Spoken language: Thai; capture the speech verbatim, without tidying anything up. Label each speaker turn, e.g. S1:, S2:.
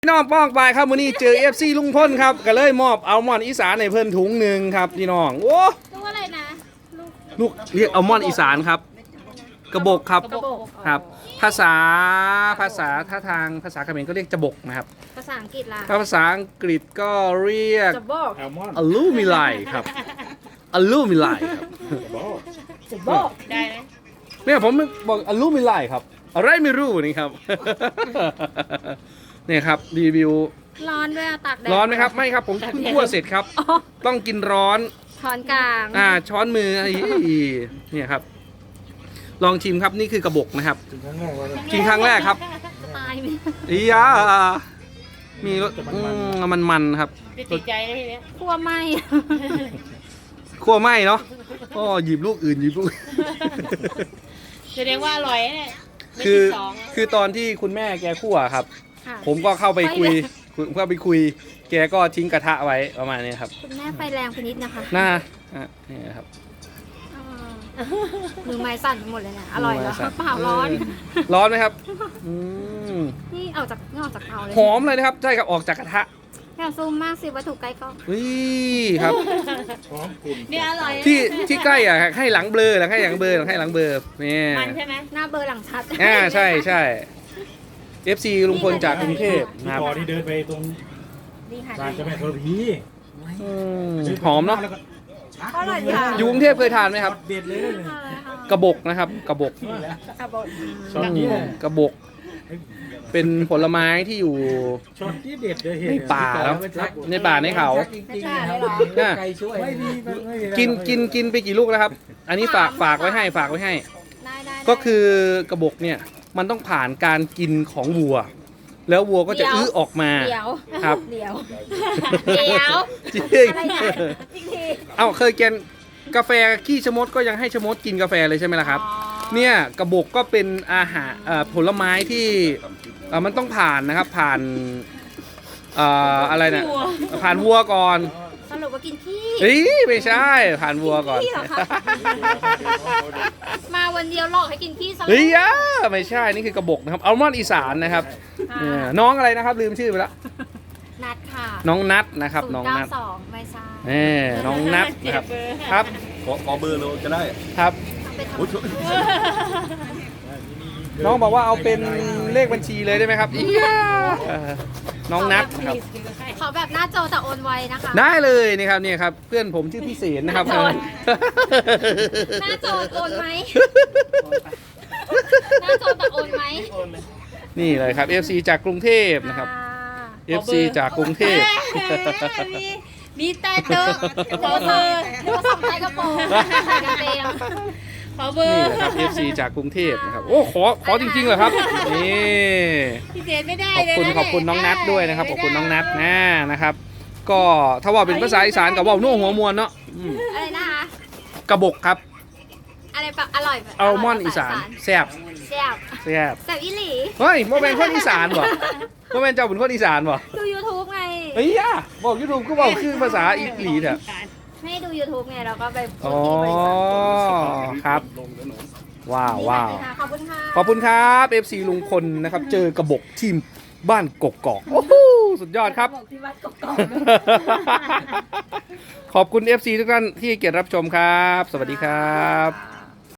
S1: พี่น้องป้องไปครับวันนี้เจอ เอฟ ซี ลุงพ้นครับก็เลยมอบอัลมอนด์อีสานในเพิ่นถุงหนึ่งครับพี่น้องโอ้
S2: ลูกอะไรนะ
S1: ลูกเรียกอัลมอนด์อีสานครับกระบอกครับครับ ภาษาภาษาท่าทางภาษาเขมรก็เรียกจะบกนะครับ
S2: ภาษาอังกฤษล่ะ
S1: ถ้าภาษาอังกฤษก็เรียก
S2: จะบอก
S1: อลูมิไลครับอลูมิไลครับ
S2: จะบอกได้ไหม
S1: เนี่ยผมบอกอลูมิไลครับอะไรไม่รู้นี่ครับเนี่ยครับรีวิว
S2: ร้อนด้วยตากแดด
S1: ร้อนไหมครับไม่ครับผมเพิ่งคั่วเสร็จครับต้องกินร้อน
S2: ช้อนกลาง
S1: อ่าช้อนมือเนี่ยครับลองชิมครับนี่คือกระบอกนะครับกินครั้งแรกครับ
S2: ตายไหม
S1: อียามีรสมันมันครับ
S2: ติดใจเลยทีเนี้ยคั่วไหม
S1: คั่วไหมเนาะก็หยิบลูกอื่นหยิบลูก
S2: แสดงว่าอร่อยเนี่ย
S1: คือคือตอนที่คุณแม่แกคั่วครับผมก็เข้าไปคุยเข้าไปคุยแกก็ทิ้งกระทะไว้ประมาณนี้ครับ
S2: คุณแม่ไฟแรงไปนิดนะคะ
S1: น่านี่ครับ
S2: มือไม้สั่นหมดเลยนะอร่อยเหรอเปล่าร้อน
S1: ร้อนไหมครับ
S2: นี่ออกจากนี่ออกจากเตาเลย
S1: หอมเลยนะครับใช่ครับออกจากกระทะ
S2: แค่ซูมมากสิวัตถุใกล้กล้อง
S1: นี่ครับ
S2: นี่อร่อย
S1: ที่ที่ใกล้อ่ะให้หลังเบลอหลังให้หลังเบลอหลังให้หลังเบลอนี่
S2: มันใช่ไหมหน้าเบลอหลังชัด
S1: อ่าใช่ใช่ เอฟ ซี ลุงพลจากกรุงเทพ
S3: นะครับพอที่เดินไปตรงร้านเจ้าแม่ธรณี
S1: หอมเนาะอยู่กรุงเทพเคยทานไหมครับ
S3: เด็ดเลย
S1: กระบอกนะครับกระบอกกระบอกเป็นผลไม้ที่อยู่ในป่าแล้วในป่าในเขากินกินกินไปกี่ลูกแล้วครับ อันนี้ฝากฝากไว้ให้ฝากไว้ให้ก็คือกระบอกเนี่ยมันต้องผ่านการกินของวัวแล้ววัวก็จะอื้อออกมาครับ
S2: เดี๋ยวเดี๋ยว
S1: จริงเอ้าเคยกินกาแฟขี้ชะมดก็ยังให้ชะมดกินกาแฟเลยใช่ไหมล่ะครับเนี่ยกระบอกก็เป็นอาหารผลไม้ที่มันต้องผ่านนะครับผ่านอะไรเนี่ยผ่านวัวก่อน
S2: สรุปว่ากินขี้
S1: เฮ้ยไม่ใช่ผ่านวัวก่อน
S2: มาวันเดียวหลอกให้กินขี้ซะ
S1: เฮ้ยไม่ใช่นี่คือกระบอกนะครับอัลมอนด์อีสานนะครับน้องอะไรนะครับลืมชื่อไปแล้ว
S2: นัดค่ะ
S1: น้องนัดนะครับน้องนัด
S2: สองไม่ใช่
S1: น้องนัดนะครับครับ
S3: ขอขอเบอร์เราจะได้
S1: ครับน้องบอกว่าเอาเป็นเลขบัญชีเลยได้ไหมครับอีน้องนัดครับ
S2: ขอแบบหน้าจอแต่โอนไวนะคะ
S1: ได้เลยนี่ครับนี่ครับเพื่อนผมชื่อพี่เสนนะครับห
S2: น้าจอโอนไหมหน้าจอแต่โอนไหม
S1: นี่เลยครับ เอฟ ซี จากกรุงเทพนะครับ เอฟ ซี จากกรุงเทพ
S2: มีแต่เติมขอเบอร์หรือว่าส่งใจกระโปรงใส่กระเบงขอเบอร์
S1: นี่แหละครับ เอฟ ซี จากกรุงเทพนะครับโอ้ขอขอจริงๆเหรอครับนี่
S2: พิเศษไม่ได้
S1: ขอบคุณขอบคุณน้องนัทด้วยนะครับขอบคุณน้องนัทนะนะครับก็ถ้าว่าเป็นภาษาอีสานกับว่านุ่งหัวมวลเนาะ
S2: อะไรนะคะ
S1: กระบอกครับ
S2: อะไรแบบอร่อย
S1: อัลมอนด์อีสานแซ่บ
S2: แซ่บ
S1: แซ่บ
S2: แซ่บอีหลี
S1: เฮ้ยโมเป็นคนอีสานบ่โมเป็นเจ้าเป็นคนอีสานบ่
S2: ดู ยูทูบ ไง
S1: เฮ้ยบอก ยูทูบ ก็บอกคือภาษาอีหลีเถอะ
S2: ไม่ดู ยูทูบ ไงเราก็ไป
S1: อ๋อครับว้าวว้าว
S2: ขอบคุณค่ะ
S1: ขอบคุณครับ เอฟ ซี ลุงพลนะครับเจอกระบอกทีมบ้านกกอกโอ้โหสุดยอดครับขอบคุณ เอฟ ซี ทุกท่านที่เกียรติรับชมครับสวัสดีครับ